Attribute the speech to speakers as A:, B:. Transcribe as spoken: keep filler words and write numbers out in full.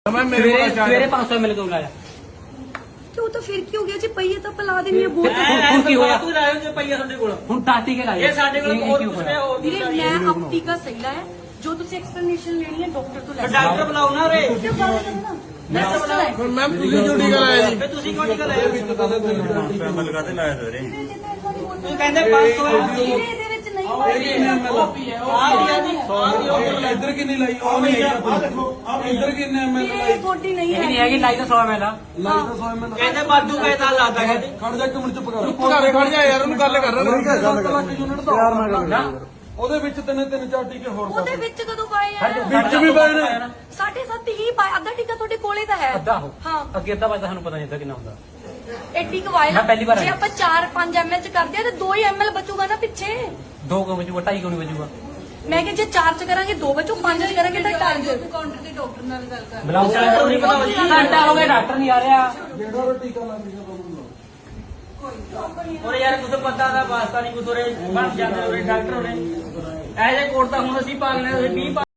A: सवेरे पांच सौ मिल के लाया
B: क्यों तो फिर क्यों गया जी पहिए तो पिला देनी है बहुत
A: ਹੁਣ ਕੀ ਹੋਇਆ ਤੂੰ ਲਾਇਆ ਜੇ ਪਈਆ ਸਾਡੇ ਕੋਲ ਹੁਣ ਟਾਟੀ ਕੇ ਲਾਇਆ
C: ਇਹ ਸਾਡੇ ਕੋਲ ਹੋਰ ਕੁਝ ਨਹੀਂ ਹੋਰ
B: ਵੀਰੇ ਮੈਂ ਆਪ ਟੀਕਾ ਸਹੀ ਲਾਇਆ ਜੋ ਤੁਸੀਂ ਐਕਸਪਲੇਨੇਸ਼ਨ ਲੈਣੀ ਹੈ ਡਾਕਟਰ ਤੋਂ ਲੈ ਲਓ
C: ਡਾਕਟਰ ਬੁਲਾਓ ਨਾ ਰੇ
B: ਮੈਂ ਬੁਲਾਇਆ
D: ਮੈਮ ਤੁਸੀਂ ਜੋ ਟੀਕਾ ਲਾਇਆ ਜੀ
C: ਫੇ ਤੁਸੀਂ ਕਿਉਂ ਟੀਕਾ ਲਾਇਆ
D: ਪੈਮਲ ਕਾਤੇ ਲਾਇਆ ਸਵੇਰੇ
C: ਤੂੰ ਕਹਿੰਦੇ ਪੰਜ ਸੌ
B: ਇਹਦੇ ਵਿੱਚ ਨਹੀਂ ਹੋਇਆ
C: ਆ ਗਿਆ ਜੀ
D: ਇੱਧਰ ਕਿੰਨੀ ਲਾਈ ਉਹ ਨਹੀਂ ਆ ਦੇਖੋ ਇੱਧਰ ਕਿੰਨੇ ਐਮਐਲ
B: ਵੀਰੇ ਇਹ ਗੋਡੀ ਨਹੀਂ
A: ਇਹ ਨਹੀਂ
B: ਹੈ
A: ਹੈਗੀ ਲਾਈ ਤਾਂ ਸੌ ਮਿਲ ਆ
D: ਲਾਈ ਤਾਂ ਸੌ ਐਮਐਲ
C: ਕਹਿੰਦੇ ਬਾਦੂ ਕਹਿਤਾ ਲਾਦਾ ਕਹਿੰਦੇ
D: ਖੜ ਜਾ ਇੱਕ ਮਿੰਟ ਚੁੱਪ ਕਰ ਚੁੱਪ ਕਰ ਖੜ ਜਾ ਯਾਰ ਉਹਨੂੰ ਗੱਲ ਕਰ ਰਿਹਾ ਸੱਤ ਲੱਖ ਯੂਨਿਟ ਦਾ ਯਾਰ ਮੈਂ ਗੱਲ ਉਹਦੇ ਵਿੱਚ ਤਿੰਨ ਤਿੰਨ ਚਾਰ ਟੀਕੇ ਹੋਰ
B: ਉਹਦੇ ਵਿੱਚ ਕਦੋਂ ਪਾਏ ਆ
D: ਵਿੱਚ ਵੀ ਪਾਏ ਨੇ
B: ਸਾਢੇ ਸੱਤ ਹੀ ਪਾਏ ਅੱਧਾ ਟੀਕਾ ਤੁਹਾਡੇ ਕੋਲੇ ਤਾਂ ਹੈ
A: ਅੱਧਾ ਹੋ
B: ਹਾਂ
A: ਅੱਗੇ ਅੱਧਾ ਵਜੇ ਸਾਨੂੰ ਪਤਾ ਨਹੀਂ ਅੱਧਾ ਕਿੰਨਾ ਹੁੰਦਾ
B: ਐਡੀ ਕਵਾਇਲ
A: ਮੈਂ ਪਹਿਲੀ ਵਾਰ
B: ਜੇ ਆਪਾਂ ਚਾਰ ਪੰਜ ਐਮਐਲ ਚ ਕਰਦੇ ਆ ਤੇ ਦੋ ਹੀ ਐਮਐਲ ਬਚੂਗਾ ਨਾ ਪਿੱਛੇ
A: ਦੋ ਕਿਉਂ ਵਜੂਗਾ ਢਾਈ ਕਿਉਂ ਨਹੀਂ ਵਜੂਗਾ
B: ਮੈਂ ਕਿ ਜੇ ਚਾਰ ਚ ਕਰਾਂਗੇ ਦੋ ਬਚੂ ਪੰਜ ਚ ਕਰਾਂਗੇ ਤਾਂ ਢਾਈ ਕਾਊਂਟਰ ਤੇ ਡਾਕਟਰ ਨਾਲ ਗੱਲ ਕਰ
A: ਬੁਲਾਓ ਨਹੀਂ ਪਤਾ ਵਜੀ ਘੰਟਾ ਹੋ ਗਿਆ ਡਾਕਟਰ ਨਹੀਂ ਆ ਰਿਹਾ
D: ਜਿਹੜਾ ਉਹ ਟੀਕਾ ਲਾ ਦਿੱਤਾ
C: ਔਰ ਯਾਰ ਕੁਝ ਪਤਾ ਦਾ ਵਾਸਤਾ ਨਹੀਂ ਕੁਝ ਉਰੇ ਬਣ ਜਾਂਦੇ ਉਰੇ ਡਾਕਟਰ ਉਰੇ ਐਜੇ ਕੋਟ ਤਾਂ ਹੁਣ ਅਸੀਂ ਪਾਲਨੇ ਵੀਹ